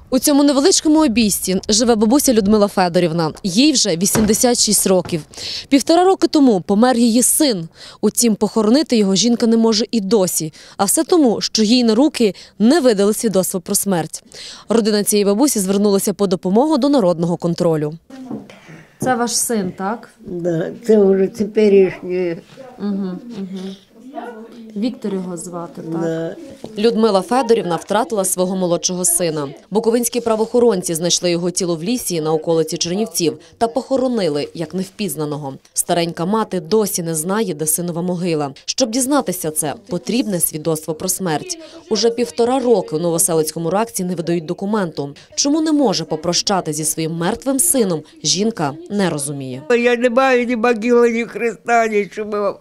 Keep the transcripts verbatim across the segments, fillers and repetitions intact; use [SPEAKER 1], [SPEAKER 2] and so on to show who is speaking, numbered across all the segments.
[SPEAKER 1] У цьому невеличкому обійсті живе бабуся Людмила Федорівна. Їй вже вісімдесят шість років. Півтора роки тому помер її син. Утім, похоронити його жінка не може і досі. А все тому, що їй на руки не видали свідоцтво про смерть. Родина цієї бабусі звернулася по допомогу до народного контролю. Це ваш син, так?
[SPEAKER 2] Да, це вже теперішнє.
[SPEAKER 1] Угу, угу. Віктор його звати, так?
[SPEAKER 2] Да.
[SPEAKER 1] Людмила Федорівна втратила свого молодшого сина. Буковинські правоохоронці знайшли його тіло в лісі на околиці Чернівців та похоронили, як невпізнаного. Старенька мати досі не знає, де синова могила. Щоб дізнатися це, потрібне свідоцтво про смерть. Уже півтора роки у Новоселицькому РАКСі не видають документу. Чому не може попрощати зі своїм мертвим сином, жінка не розуміє.
[SPEAKER 2] Я не маю ні могили, ні хреста, нічого.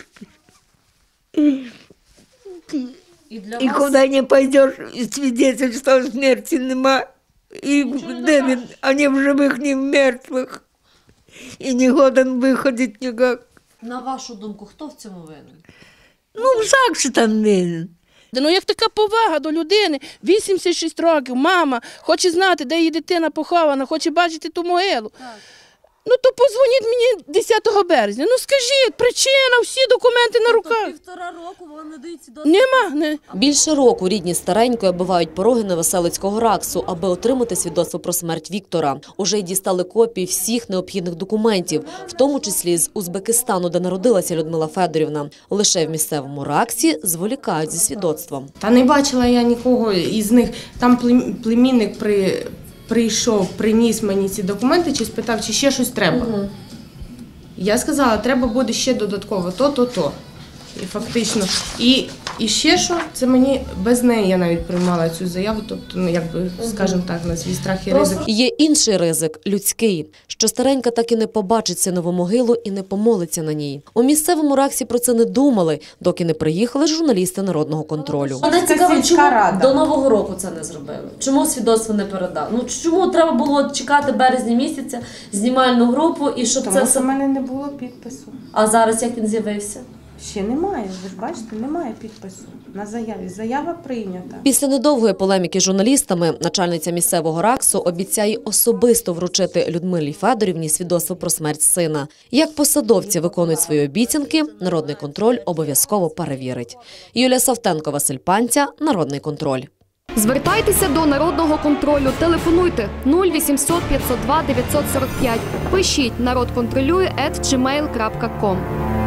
[SPEAKER 1] І, для
[SPEAKER 2] І куди не пойдеш, свідоцтва смерті нема. І де він, ані в живих, ні в мертвих. І не годен виходити ніяк.
[SPEAKER 1] На вашу думку, хто в цьому винен?
[SPEAKER 2] Ну, всяк що там винен.
[SPEAKER 3] Ну, як така повага до людини, вісімдесят шість років, мама хоче знати, де її дитина похована, хоче бачити ту могилу. Так. Ну, то подзвоніть мені десятого березня. Ну, скажіть, причина, всі документи на руках.
[SPEAKER 1] Тобто півтора року вам не дають свідоцтво?
[SPEAKER 3] Нема. Не.
[SPEAKER 1] Більше року рідні старенької оббивають пороги Новоселицького РАКСу, аби отримати свідоцтво про смерть Віктора. Уже й дістали копії всіх необхідних документів, в тому числі з Узбекистану, де народилася Людмила Федорівна. Лише в місцевому РАКСі зволікають зі свідоцтвом.
[SPEAKER 4] Та не бачила я нікого із них. Там племінник при... прийшов, приніс мені ці документи, чи спитав, чи ще щось треба. Угу. Я сказала, треба буде ще додатково то, то, то. І фактично. І, і ще що, це мені, без неї я навіть приймала цю заяву, тобто, ну, якби, скажімо так, на свій страх і ризик.
[SPEAKER 1] Є інший ризик – людський, що старенька так і не побачить синову могилу і не помолиться на ній. У місцевому РАКСі про це не думали, доки не приїхали журналісти народного контролю.
[SPEAKER 5] Мене цікаво, чому до Нового року це не зробили? Чому свідоцтво не передали? Ну, чому треба було чекати березня місяця, знімальну групу і щоб
[SPEAKER 4] Тому
[SPEAKER 5] це...
[SPEAKER 4] Тому що в мене не було підпису.
[SPEAKER 5] А зараз як він з'явився?
[SPEAKER 4] Ще немає, ви ж бачите, немає підпису на заяві. Заява прийнята.
[SPEAKER 1] Після недовгої полеміки з журналістами начальниця місцевого РАКСу обіцяє особисто вручити Людмилі Федорівні свідоцтво про смерть сина. Як посадовці виконують свої обіцянки, народний контроль обов'язково перевірить. Юлія Савтенко, Василь Панця, Народний контроль.
[SPEAKER 6] Звертайтеся до Народного контролю, телефонуйте нуль вісімсот п'ятсот два дев'ятсот сорок п'ять, пишіть народконтролює ет джі мейл крапка ком.